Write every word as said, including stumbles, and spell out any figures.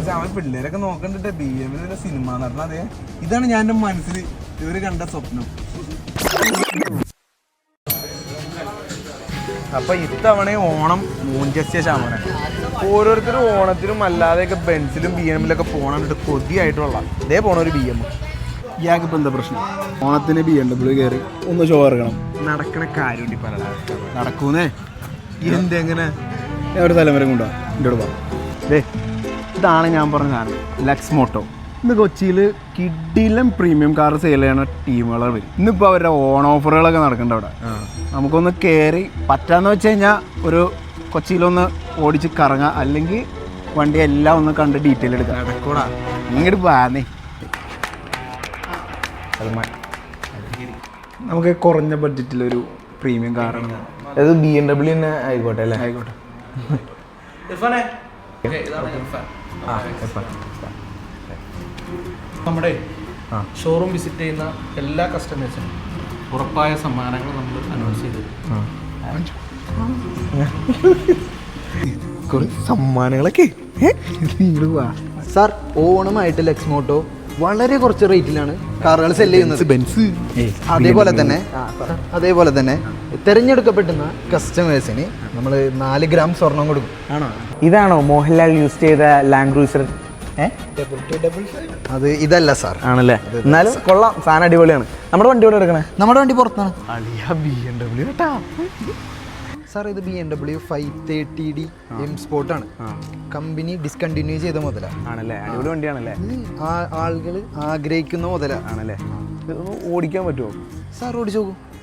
അവൻ പിള്ളേരൊക്കെ നോക്കണ്ടിട്ട് ബി എമ്മിലെ സിനിമ നടന്ന അതെ ഇതാണ് ഞാൻ എൻ്റെ മനസ്സിൽ ഇവര് കണ്ട സ്വപ്നം. അപ്പൊ ഇത്തവണ ഓണം മൂഞ്ചസ്യ ശാമന ഓരോരുത്തരും ഓണത്തിനും അല്ലാതെയൊക്കെ ബെൻസിലും ബി എമ്മിലൊക്കെ പോകണിട്ട് കൊതിയായിട്ടുള്ള ഇതേ പോണ ഒരു ബി എം. ഇയാൾക്ക് ഇപ്പം എന്താ പ്രശ്നം? ഓണത്തിന് ബി എം ഡബ്ല്യു കയറി ഒന്ന് ഷോ ഇറങ്ങണം. നടക്കണ കാര്യം പറയണ നടക്കൂന്നേ. എന്തെങ്ങനെ ഒരു തലമുറ കൊണ്ടുവാ എൻ്റെ കൂടെ പോകാം. ദേ ഇതാണ് ഞാൻ പറഞ്ഞ സാധനം, ലക്സ് മോട്ടോ. ഇന്ന് കൊച്ചിയിൽ കിഡിലും പ്രീമിയം കാർ സെയിൽ ചെയ്യണ ടീമുകളെ വരും. ഇന്നിപ്പോൾ അവരുടെ ഓൺ ഓഫറുകളൊക്കെ നടക്കുന്നുണ്ട് അവിടെ. നമുക്കൊന്ന് കയറി പറ്റാന്ന് വെച്ച് കഴിഞ്ഞാൽ ഒരു കൊച്ചിയിലൊന്ന് ഓടിച്ച് കറങ്ങാം, അല്ലെങ്കിൽ വണ്ടി എല്ലാം ഒന്ന് കണ്ട് ഡീറ്റെയിൽ എടുക്കാം. നടക്കൂടാ ഇങ്ങോട്ട് പോകാന്നേ. നമുക്ക് കുറഞ്ഞ ബഡ്ജറ്റിലൊരു പ്രീമിയം കാറാണ്. അത് ബി എം ഡബ്ല്യു തന്നെ ആയിക്കോട്ടെ അല്ലേ? ആയിക്കോട്ടെ. നമ്മുടെ ഷോറൂം വിസിറ്റ് ചെയ്യുന്ന എല്ലാ കസ്റ്റമേഴ്സിനും ഉറപ്പായ സമ്മാനങ്ങൾ നമ്മൾ അനൗൺസ് ചെയ്തു. സമ്മാനങ്ങളൊക്കെ സാർ, ഓണമായിട്ട് ലക്സ് മോട്ടോ വളരെ കുറച്ച് റേറ്റിലാണ് കാറുകൾ സെല് ചെയ്യുന്നത്. ബെൻസ് അതേപോലെ തന്നെ അതേപോലെ തന്നെ തിരഞ്ഞെടുക്കപ്പെടുന്ന കസ്റ്റമേഴ്സിന് നമ്മൾ നാല് ഗ്രാം സ്വർണം കൊടുക്കും. ആണോ? ഇതാണോ മോഹൻലാൽ യൂസ് ചെയ്ത ലാൻഡ് ക്രൂസർ? അത് ഇതല്ല സാർ. ആണല്ലേ? എന്നാലും കൊള്ളാം, സാധനം അടിപൊളിയാണ്. നമ്മുടെ വണ്ടി ഇവിടെ എടുക്കണേ? നമ്മുടെ വണ്ടി പുറത്താണ് ബി എം ഡബ്ല്യു കേട്ടാ സാർ. ഇത് B M W five thirty D M സ്പോർട്ടാണ്. കമ്പനി ഡിസ്കണ്ടിന്യൂ ചെയ്ത മുതലാണ്. ആണല്ലേ? അടിപൊളി വണ്ടിയാണല്ലേ? ആളുകൾ ആഗ്രഹിക്കുന്ന മുതലാണ്. ആണല്ലേ? ഓടിക്കാൻ പറ്റുമോ സാർ? ഓടിച്ചു നോക്കൂ.